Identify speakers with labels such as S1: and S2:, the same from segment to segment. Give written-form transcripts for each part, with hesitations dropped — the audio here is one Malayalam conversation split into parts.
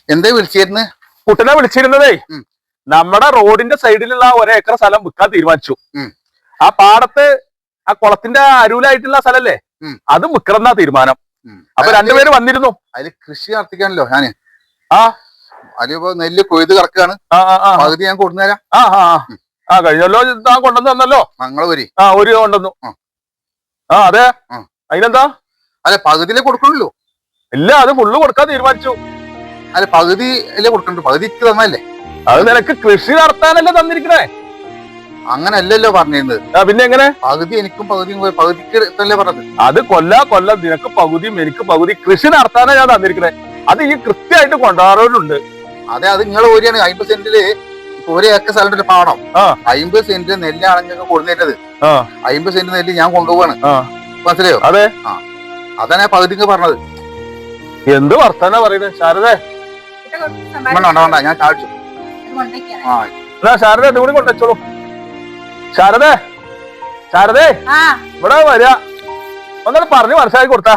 S1: എന്തേ വിളിച്ചിരുന്നു?
S2: കുട്ടനെ വിളിച്ചിരുന്നതേ നമ്മുടെ റോഡിന്റെ സൈഡിലുള്ള ഒരേക്കർ സ്ഥലം വിൽക്കാൻ തീരുമാനിച്ചു. ആ പാടത്ത് ആ കുളത്തിന്റെ അരൂലായിട്ടുള്ള സ്ഥലല്ലേ, അത് വിൽക്കണമെന്നാ തീരുമാനം. അപ്പൊ രണ്ടുപേര് വന്നിരുന്നു.
S1: അതില് കൃഷി നടത്തിക്കാണല്ലോ ഞാന്.
S2: ആ
S1: അതിപ്പോ നെല്ല് കൊയ്ത് കിടക്കാണ്. പകുതി ഞാൻ കൊണ്ടുവരാം.
S2: കഴിഞ്ഞല്ലോ താൻ കൊണ്ടുവന്ന് തന്നല്ലോ.
S1: ഞങ്ങള് വരി
S2: ഒരു കൊണ്ടുവന്നു. അതെ, അതിനെന്താ?
S1: അല്ല, പകുതിയിലേ കൊടുക്കണല്ലോ.
S2: ഇല്ല, അത് ഫുള്ള് കൊടുക്കാൻ തീരുമാനിച്ചു.
S1: അല്ല, പകുതി അല്ലേ കൊടുക്കണ്ടു? പകുതിക്ക് തന്നല്ലേ?
S2: അത് നിനക്ക് കൃഷി നടത്താനല്ലേ തന്നിരിക്കണേ.
S1: അങ്ങനെ അല്ലല്ലോ പറഞ്ഞിരുന്നത്.
S2: പിന്നെ എങ്ങനെ?
S1: പകുതി എനിക്കും പകുതിക്ക് തന്നെ പറഞ്ഞത്.
S2: അത് കൊല്ലം നിനക്ക് പകുതിയും എനിക്ക് പകുതി കൃഷി നടത്താനാ ഞാൻ തന്നിരിക്കണേ. അത് ഈ കൃത്യമായിട്ട് കൊണ്ടുപോകാറുണ്ട്.
S1: അതെ, അത് നിങ്ങൾ ഓരിയാണ് 50 സെന്റില് ഒരു ഏക്കർ സ്ഥലത്തിന്റെ പാടം. 50 സെന്റ് നെല്ലാണെങ്കിൽ കൊടുത്തേറ്റത്. 50 സെന്റ് നെല്ല് ഞാൻ കൊണ്ടുപോവാണ്. മനസ്സിലായോ?
S2: അതെ,
S1: അതാണ് ഞാൻ പകുതിക്ക് പറഞ്ഞത്.
S2: എന്ത് വർത്താനാ പറയുന്നത് ശാരദേ?
S1: വേണ്ട, ഞാൻ ചാടിച്ചു.
S2: ശാരദ ഇതുകൂടി കൊണ്ടുവച്ചോളൂ. ശാരദേ ഇവിടെ വരിക. ഒന്നും പറഞ്ഞ് മനസ്സിലാക്കി കൊടുത്താ.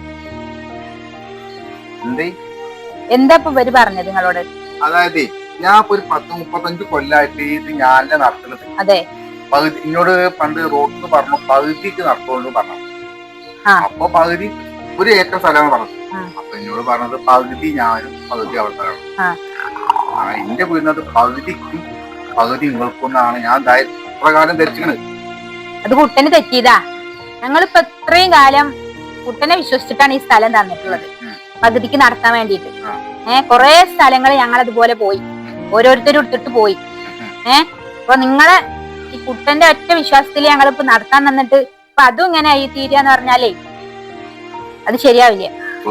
S3: എന്താ ഇപ്പൊ ഇവര് പറഞ്ഞത് നിങ്ങളോട്?
S1: അതായത് ഞാൻ ഇപ്പൊ ഒരു 10-35 കൊല്ലായിട്ട് ഇത് ഞാനല്ലേ നടത്തുന്നത്.
S3: അതെ,
S1: പകുതി എന്നോട് പണ്ട് റോഡ് പറഞ്ഞു പകുതിക്ക് നടത്തുകൊണ്ട് പറഞ്ഞു. അപ്പൊ പകുതി ഒരു ഏക്കർ സ്ഥലമാണ് പറഞ്ഞത്. അപ്പൊ എന്നോട് പറഞ്ഞത് പകുതി ഞാനും പകുതി അവിടുത്തെ. എന്റെ വീടിനത് പകുതിക്കും പകുതി നിങ്ങൾക്കൊന്നാണ് ഞാൻ പ്രകാരം ധരിച്ചത്.
S3: അത് കുട്ടന് തെറ്റിയതാ. ഞങ്ങളിപ്പോ ഇത്രയും കാലം കുട്ടനെ വിശ്വസിച്ചിട്ടാണ് ഈ സ്ഥലം തന്നിട്ടുള്ളത്, പകുതിക്ക് നടത്താൻ വേണ്ടിയിട്ട്. കൊറേ സ്ഥലങ്ങൾ ഞങ്ങൾ അതുപോലെ പോയി, ഓരോരുത്തരും എടുത്തിട്ട് പോയി. അപ്പൊ നിങ്ങളെ ഈ കുട്ടന്റെ ഒറ്റ വിശ്വാസത്തിൽ ഞങ്ങളിപ്പോ നടത്താൻ തന്നിട്ട് ഇപ്പൊ അതും ഇങ്ങനെ ഈ തീരാന്ന് പറഞ്ഞാലേ അത് ശരിയാവില്ല.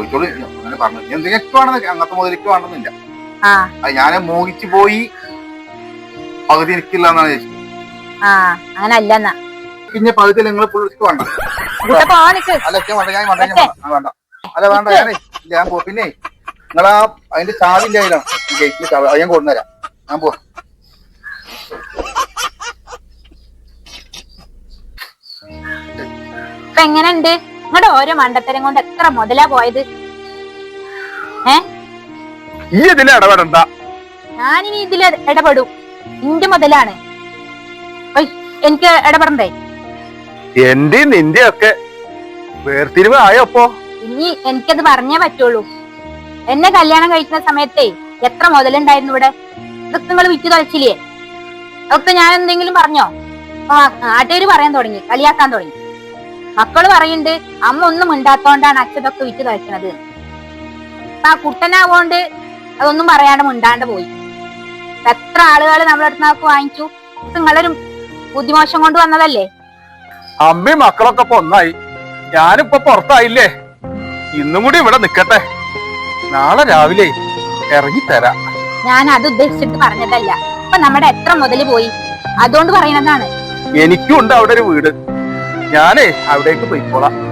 S1: അങ്ങനത്തെ മുതലേക്ക് വേണമെന്നില്ല. ഞാൻ മോഹിച്ചു പോയി പകുതി എനിക്കില്ല എന്നാണ് ചോദിച്ചത്.
S3: അങ്ങനെ അല്ലെന്നാ
S1: പിന്നെ പകുതി നിങ്ങൾ പുള്ളിക്ക് വേണ്ട. അല്ല വേണ്ട, ഞാൻ പോ. പിന്നെ നിങ്ങളാ അതിന്റെ ചാവിന്റെ കയ്യിലാണ് ഗേറ്റിൽ ചാവി. അത് ഞാൻ കൊണ്ടുവരാം. ഞാൻ പോവാ.
S3: ഇപ്പൊ എങ്ങനെയുണ്ട് നിങ്ങളുടെ ഓരോ മണ്ടത്തരം കൊണ്ട് എത്ര മുതലാ പോയത്?
S2: ഇടപെടണ്ട.
S3: ഞാനിനി ഇതിൽ ഇടപെടും. ഇന്റെ മുതലാണ്, എനിക്ക് ഇടപെടണ്ടേ?
S2: എന്റെ നിന്റെ ഒക്കെ വേർതിരിവ് ആയപ്പോ
S3: ഇനി എനിക്കത് പറഞ്ഞേ പറ്റുള്ളൂ. എന്നെ കല്യാണം കഴിക്കുന്ന സമയത്തേ എത്ര മുതലുണ്ടായിരുന്നു ഇവിടെ? ഇതൊക്കെ നിങ്ങൾ വിറ്റ് തൊലച്ചില്ലേ? അതൊക്കെ ഞാൻ എന്തെങ്കിലും പറഞ്ഞോ? നാട്ടുകാര് പറയാൻ തുടങ്ങി, കളിയാക്കാൻ തുടങ്ങി. മക്കള് പറയുന്നുണ്ട് അമ്മ ഒന്നും മിണ്ടാത്തോണ്ടാണ് അച്ഛതൊക്കെ വിറ്റ് തൊലക്കണത്. ആ കുട്ടനാവോണ്ട് അതൊന്നും പറയാണ്ട് മിണ്ടാണ്ട് പോയി. എത്ര ആളുകൾ നമ്മളടുത്ത് നമുക്ക് വാങ്ങിച്ചു. നിങ്ങളൊരു ബുദ്ധിമോശം കൊണ്ട് വന്നതല്ലേ?
S2: അമ്മയും മക്കളൊക്കെ ഇപ്പൊ ഒന്നായി. ഞാനിപ്പോ പുറത്തായില്ലേ. ഇന്നും കൂടി ഇവിടെ നിക്കട്ടെ, നാളെ രാവിലെ ഇറങ്ങിത്തരാം.
S3: ഞാൻ അത് ഉദ്ദേശിച്ചിട്ട് പറഞ്ഞതല്ല. ഇപ്പൊ നമ്മുടെ എത്ര മുതല് പോയി അതുകൊണ്ട് പറയുന്നതാണ്.
S2: എനിക്കും ഉണ്ട് അവിടെ ഒരു വീട്. ഞാനേ അവിടേക്ക് പോയിക്കോളാം.